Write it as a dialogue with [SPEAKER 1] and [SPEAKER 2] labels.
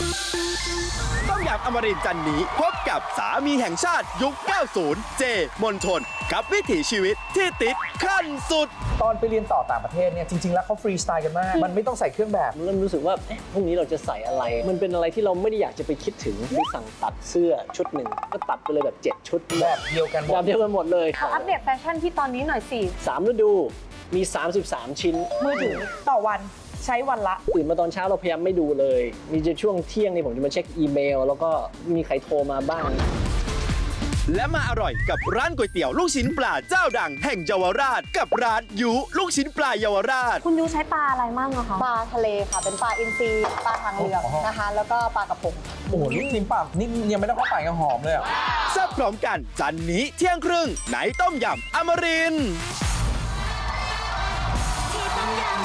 [SPEAKER 1] ต้มยำอมรินทร์จันนี้พบกับสามีแห่งชาติยุค 90 เจ มนทนกับวิถีชีวิตที่ติดขั้นสุด
[SPEAKER 2] ตอนไปเรียนต่อต่างประเทศเนี่ยจริงๆแล้วเขาฟรีสไตล์กันมาก มันไม่ต้องใส่เครื่องแบบ
[SPEAKER 3] เริ่มรู้สึกว่าพรุ่งนี้เราจะใส่อะไร มันเป็นอะไรที่เราไม่ได้อยากจะไปคิดถึงไปสั่งตัดเสื้อชุดหนึ่งก็ตัดไปเลยแบบ7 ชุด
[SPEAKER 2] แบบเดียวกันหมด
[SPEAKER 3] แบบเดียวกันหมดเลย
[SPEAKER 4] เอาอัปเดตแฟชั่นที่ตอนนี้หน่อยสิ
[SPEAKER 3] 3 ฤดูมี 33 ชิ้น
[SPEAKER 4] มือถือต่อวันใช้วันละ
[SPEAKER 3] ตื่นมาตอนเช้าเราพยายามไม่ดูเลย มีจะช่วงเที่ยงนี่ผมจะมาเช็คอีเมล แล้วก็มีใครโทรมาบ้าง
[SPEAKER 1] และมาอร่อยกับร้านก๋วยเตี๋ยวลูกชิ้นปลาเจ้าดังแห่งเยาวราช กับร้านยุลูกชิ้นปลาเยาวราช
[SPEAKER 4] คุณยูใช้ปลาอะไรมั่งอะคะ
[SPEAKER 5] ปลาทะเลค่ะ เป็นปลาอินทรีปลาทางเรือนะคะ แล้วก็ปลากระพง
[SPEAKER 2] โอ้โหลูกชิ้นปลานี่ยังไม่ต้องเข้าไปก็หอมเลยอ่ะ
[SPEAKER 1] แซ่บพร้อมกันจันนี้เที่ยงครึ่งในต้มยำอมรินทร์
[SPEAKER 6] ที่ต้มยำ